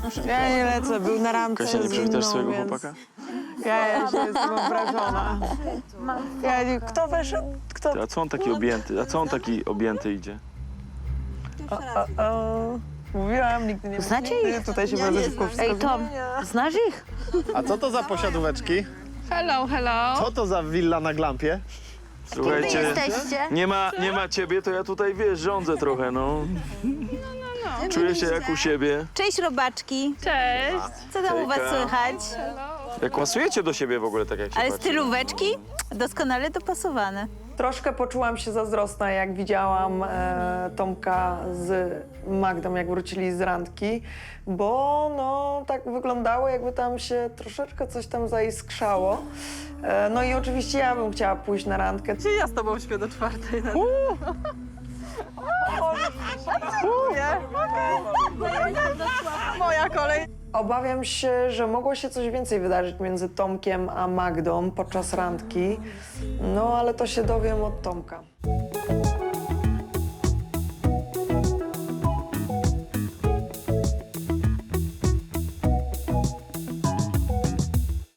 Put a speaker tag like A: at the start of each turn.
A: Ja nie lecę, był na randce
B: Kasia, nie
A: z
B: przywitasz
A: inną,
B: swojego
A: więc
B: chłopaka?
A: Ja się jestem obrażona. Kto wyszedł? Kto?
B: A co on taki objęty? A co on taki objęty idzie?
A: Mówiłam, nigdy nie
C: Znacie
A: nigdy.
C: ich?
A: Tutaj się bardzo szybko wszystko
C: Ej, Tom,
A: zmienia.
C: znasz ich?
D: A co to za posiadóweczki?
E: Hello, hello.
D: Co to za willa na glampie?
C: Wy
B: Słuchajcie,
C: jesteście?
B: nie ma ciebie, to ja tutaj, wiesz, rządzę trochę, no. Czuję się jak u siebie.
C: Cześć, robaczki.
E: Cześć.
C: Co tam u was
B: Hejka.
C: słychać?
B: Jak pasujecie do siebie w ogóle, tak jak się
C: Ale
B: patrzy.
C: stylóweczki doskonale dopasowane.
A: Troszkę poczułam się zazdrosna, jak widziałam Tomka z Magdą, jak wrócili z randki, bo no tak wyglądało, jakby tam się troszeczkę coś tam zaiskrzało. No i oczywiście ja bym chciała pójść na randkę.
E: Czy ja z tobą śpię do 4:00? Moja kolej.
A: Obawiam się, że mogło się coś więcej wydarzyć między Tomkiem a Magdą podczas randki, no ale to się dowiem od Tomka.